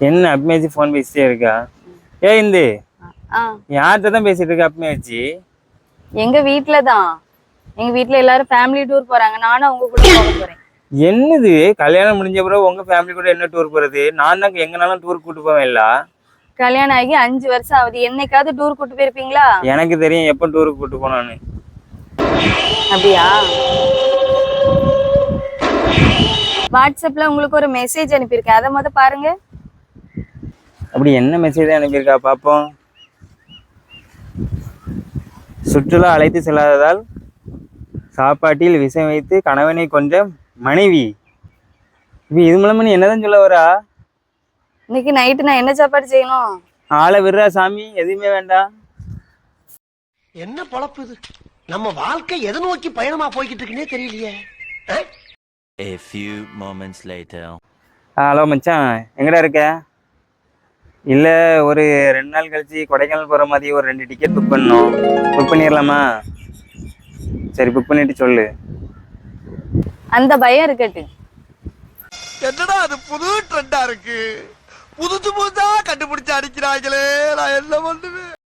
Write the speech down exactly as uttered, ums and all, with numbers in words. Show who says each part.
Speaker 1: என்ன அப்பமே வச்சு ஃபோன் பேசிட்டே இருக்கா? ஏ இந்து யார்கிட்ட தான் பேசிட்டு இருக்க அப்பமே வச்சு?
Speaker 2: எங்க வீட்ல தான். எங்க வீட்ல எல்லாரும் ஃபேமிலி டூர் போறாங்க. நானும் அவங்க கூட போக போறேன்.
Speaker 1: என்னது கல்யாணம் முடிஞ்ச பிறகு உங்க ஃபேமிலி கூட என்ன டூர் போறது? நான் தான் எங்கனாலும் டூர் கூட்டு போவேன் இல்ல.
Speaker 2: கல்யாணம் ஆகி அஞ்சு வருஷம் ஆகுது. என்னைக்காவது டூர் கூட்டு போயிருப்பீங்களா?
Speaker 1: எனக்கு தெரியும் எப்ப டூருக்கு கூட்டு போனான்னு.
Speaker 2: அப்படியா? வாட்ஸ்அப்ல உங்களுக்கு ஒரு மெசேஜ் அனுப்பியிருக்கேன். அதை முத பாருங்க.
Speaker 1: அப்படி என்ன மெசேஜ் அனுப்பியிருக்கா பாப்போம். சுற்றுலா அழைத்து செல்லாததால் சாப்பாட்டில் விஷம் வைத்து கணவனை கொன்ற மனைவி. இப்ப இது மூலமா நீ என்னதான் சொல்ல வரா?
Speaker 2: இன்னைக்கு நைட்டு நான் என்ன சாப்பாடு செய்யணும்?
Speaker 1: ஆளை விடுறா சாமி, எதுவுமே வேண்டாம்.
Speaker 3: என்ன பொழப்பு இது? நம்ம வாழ்க்கை எதை நோக்கி பயணமா போய்கிட்டு இருக்குன்னே தெரியலையே.
Speaker 4: A few moments later.
Speaker 1: Hello மச்சான், எங்கடா இருக்க? இல்லை ஒரு ரெண்டு நாள் கழிச்சு கொடைக்கானல் போகிற மாதிரி ஒரு ரெண்டு டிக்கெட் புக் பண்ணணும். புக் பண்ணிடலாமா? சரி புக் பண்ணிட்டு சொல்லு.
Speaker 2: அந்த பயம் இருக்கட்டு.
Speaker 3: என்னடா அது புது ட்ரெண்டா இருக்கு. புதுசு புதுசா கண்டுபிடிச்சு அடிக்கிறாங்களே, நான் என்ன பண்ணுவேன்?